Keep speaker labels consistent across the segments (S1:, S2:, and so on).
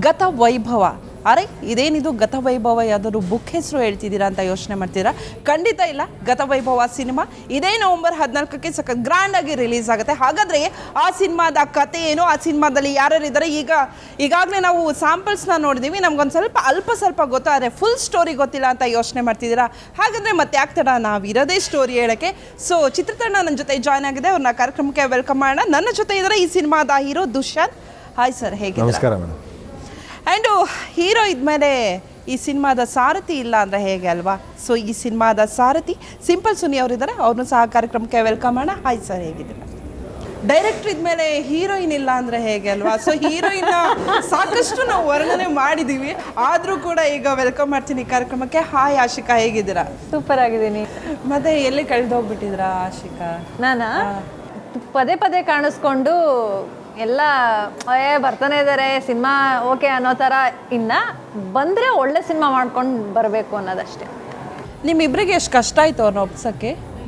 S1: ಗತ ವೈಭವ. ಅರೆ ಇದೇನಿದು ಗತ ವೈಭವ, ಯಾವ್ದಾದ್ರು ಬುಕ್ ಹೆಸರು ಹೇಳ್ತಿದ್ದೀರಾ ಅಂತ ಯೋಚನೆ ಮಾಡ್ತೀರಾ? ಖಂಡಿತ ಇಲ್ಲ. ಗತ ವೈಭವ ಸಿನಿಮಾ ಇದೇ ನವೆಂಬರ್ 14ಕ್ಕೆ ಗ್ರ್ಯಾಂಡಾಗಿ ರಿಲೀಸ್ ಆಗುತ್ತೆ. ಹಾಗಾದರೆ ಆ ಸಿನಿಮಾದ ಕತೆ ಏನು, ಆ ಸಿನಿಮಾದಲ್ಲಿ ಯಾರ್ಯಾರಿದ್ದಾರೆ, ಈಗಾಗಲೇ ನಾವು ಸ್ಯಾಂಪಲ್ಸ್ನ ನೋಡಿದ್ದೀವಿ, ನಮ್ಗೊಂದು ಸ್ವಲ್ಪ ಗೊತ್ತಾದರೆ ಫುಲ್ ಸ್ಟೋರಿ ಗೊತ್ತಿಲ್ಲ ಅಂತ ಯೋಚನೆ ಮಾಡ್ತಿದ್ದೀರಾ? ಹಾಗಾದರೆ ಮತ್ತೆ ಆಗ್ತಾರ ನಾವಿರೋದೇ ಸ್ಟೋರಿ ಹೇಳೋಕ್ಕೆ. ಸೊ ಚಿತ್ರತಂಡ ನನ್ನ ಜೊತೆ ಜಾಯ್ನ್ ಆಗಿದೆ, ಅವ್ರನ್ನ ಕಾರ್ಯಕ್ರಮಕ್ಕೆ ವೆಲ್ಕಮ್ ಮಾಡೋಣ. ನನ್ನ ಜೊತೆ ಇದ್ದಾರೆ ಈ ಸಿನಿಮಾದ ಹೀರೋ ದುಷ್ಯಂತ್. ಹಾಯ್ ಸರ್, ಹೇಗೆ?
S2: ನಮಸ್ಕಾರ ಮೇಡಮ್.
S1: ಆ್ಯಂಡು ಹೀರೋ ಇದ್ಮೇಲೆ ಈ ಸಿನಿಮಾದ ಸಾರಥಿ ಇಲ್ಲ ಅಂದರೆ ಹೇಗೆ ಅಲ್ವಾ? ಸೊ ಈ ಸಿನಿಮಾದ ಸಾರಥಿ ಸಿಂಪಲ್ ಸುನಿ ಅವರಿದ್ದಾರೆ, ಅವ್ರನ್ನೂ ಸಹ ಕಾರ್ಯಕ್ರಮಕ್ಕೆ ವೆಲ್ಕಮ್ ಮಾಡೋಣ. ಹಾಯ್ ಸರ್, ಹೇಗಿದ್ದೀರಾ? ಡೈರೆಕ್ಟ್ರ್ ಇದ್ಮೇಲೆ ಹೀರೋಯಿನ್ ಇಲ್ಲ ಅಂದರೆ ಹೇಗೆ ಅಲ್ವಾ? ಸೊ ಹೀರೋಯಿನ್ನ ಸಾಕಷ್ಟು ನಾವು ವರ್ಣನೆ ಮಾಡಿದ್ದೀವಿ, ಆದರೂ ಕೂಡ ಈಗ ವೆಲ್ಕಮ್ ಮಾಡ್ತೀನಿ ಕಾರ್ಯಕ್ರಮಕ್ಕೆ. ಹಾಯ್ ಆಶಿಕಾ, ಹೇಗಿದ್ದೀರಾ?
S3: ಸೂಪರ್ ಆಗಿದ್ದೀನಿ.
S1: ಮತ್ತೆ ಎಲ್ಲಿ ಕಳೆದೋಗ್ಬಿಟ್ಟಿದ್ರಾ ಆಶಿಕಾ?
S3: ನಾನಾ ಪದೇ ಪದೇ ಕಾಣಿಸ್ಕೊಂಡು ಎಲ್ಲ ಬರ್ತಾನೆ ಇದ್ದಾರೆ ಸಿನಿಮಾ ಓಕೆ ಅನ್ನೋ ಥರ, ಇನ್ನು ಬಂದರೆ ಒಳ್ಳೆ ಸಿನಿಮಾ ಮಾಡ್ಕೊಂಡು ಬರಬೇಕು ಅನ್ನೋದಷ್ಟೇ.
S1: ನಿಮ್ಮಿಬ್ಬರಿಗೆ ಎಷ್ಟು ಕಷ್ಟ ಆಯಿತು ಅವ್ರನ್ನ ಒಪ್ಸೋಕ್ಕೆ?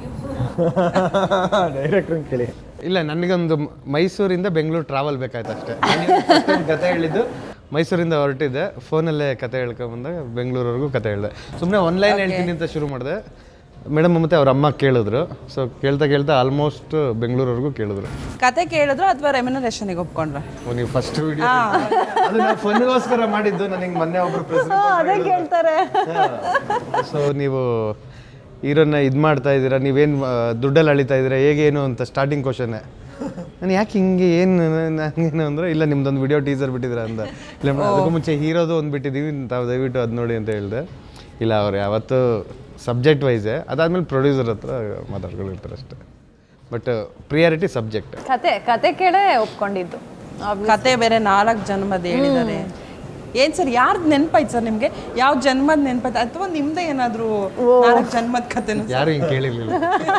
S2: ಡೈರೆಕ್ಟ್ರ್ ಕೇಳಿ.
S4: ಇಲ್ಲ, ನನಗೊಂದು ಮೈಸೂರಿಂದ ಬೆಂಗಳೂರು ಟ್ರಾವೆಲ್ ಬೇಕಾಯ್ತು ಅಷ್ಟೇ. ಕತೆ ಹೇಳಿದ್ದು ಮೈಸೂರಿಂದ ಹೊರಟಿದ್ದೆ, ಫೋನಲ್ಲೇ ಕತೆ ಹೇಳ್ಕೊಂಬಂದಾಗ ಬೆಂಗಳೂರವರೆಗೂ ಕತೆ ಹೇಳಿದೆ. ಸುಮ್ಮನೆ ಆನ್ಲೈನ್ ಹೇಳ್ತೀನಿ ಅಂತ ಶುರು ಮಾಡಿದೆ. ಮೇಡಮ್ ಮತ್ತು ಅವ್ರ ಅಮ್ಮ ಕೇಳಿದ್ರು. ಸೊ ಕೇಳ್ತಾ ಆಲ್ಮೋಸ್ಟ್ ಬೆಂಗಳೂರವರೆಗೂ ಕೇಳಿದ್ರು.
S1: ಕತೆ ಕೇಳಿದ್ರು ಅಥವಾ ರೆಮ್ಯುನರೇಷನ್ಗೆ ಒಪ್ಕೊಂಡ್ರ?
S4: ನೀವು ಫಸ್ಟ್ ವಿಡಿಯೋ ಅದು ನಾವು ಫನ್ಗೋಸ್ಕರ ಮಾಡಿದ್ದು. ನನಗೆ ಮೊನ್ನೆ ಒಬ್ರು
S3: ಅದೇ ಕೇಳ್ತಾರೆ.
S4: ಸೊ ನೀವು ಹೀರೋನ ಇದು ಮಾಡ್ತಾ ಇದ್ದೀರಾ, ನೀವೇನು ದುಡ್ಡಲ್ಲಿ ಅಳಿತಾ ಇದ್ದೀರಾ, ಹೇಗೇನು ಅಂತ ಸ್ಟಾರ್ಟಿಂಗ್ ಕ್ವಶನ್ನೇ. ನಾನು ಯಾಕೆ ಹಿಂಗೆ ನನಗೇನು ಅಂದರೆ, ಇಲ್ಲ ನಿಮ್ದೊಂದು ವಿಡಿಯೋ ಟೀಸರ್ ಬಿಟ್ಟಿದ್ದೀರಾ ಅಂದ. ಇಲ್ಲ ಮೇಡಮ್, ಅದಕ್ಕೂ ಮುಂಚೆ ಹೀರೋದು ಒಂದು ಬಿಟ್ಟಿದ್ದೀವಿ, ತಾವು ದಯವಿಟ್ಟು ಅದು ನೋಡಿ ಅಂತ ಹೇಳಿದೆ. ಇಲ್ಲ, ಅವ್ರು ಯಾವತ್ತೂ ಸಬ್ಜೆಕ್ಟ್ ವೈಸೇ, ಅದಾದಮೇಲೆ ಪ್ರೊಡ್ಯೂಸರ್ ಹತ್ರ ಮಾತಾಡ್ಕೊಂಡಿರ್ತಾರೆ ಅಷ್ಟೇ. But priority subject.
S3: ಕತೆ ಕೇಳೇ ಒಪ್ಕೊಂಡಿದ್ದು.
S1: ಕತೆ ಬೇರೆ 4 ಜನ್ಮದ ಹೇಳಿದ್ದಾರೆ. ಏನು ಸರ್, ಯಾರ್ದು ನೆನಪಾಯ್ತು ಸರ್ ನಿಮಗೆ? ಯಾವ ಜನ್ಮದ ನೆನಪಾಯ್ತು, ಅಥವಾ ನಿಮ್ಮದೇ ಏನಾದರೂ 4 ಜನ್ಮದ ಕತೆನೂ?
S4: ಯಾರು ಹಿಂಗೆ ಕೇಳಿರಲಿಲ್ಲ.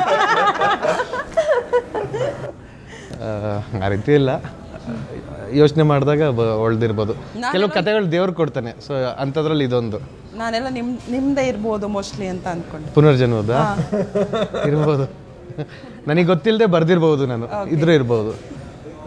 S4: ಆ ರೀತಿ ಇಲ್ಲ, ಯೋಚನೆ ಮಾಡಿದಾಗ ಒಳ್ದಿರ್ಬೋದು. ಕೆಲವು ಕತೆಗಳು ದೇವ್ರು ಕೊಡ್ತಾನೆ. ಸೊ ಅಂಥದ್ರಲ್ಲಿ ಇದೊಂದು.
S1: ನಾನೆಲ್ಲ ನಿಮ್ಮದೇ ಇರ್ಬೋದು ಮೋಸ್ಟ್ಲಿ ಅಂತ ಅಂದ್ಕೊಂಡು.
S4: ಪುನರ್ಜನ್ಮದ ಇರ್ಬೋದು, ನನಗೆ ಗೊತ್ತಿಲ್ಲದೆ ಬರ್ದಿರ್ಬೋದು, ನಾನು ಇದ್ರೂ ಇರ್ಬೋದು.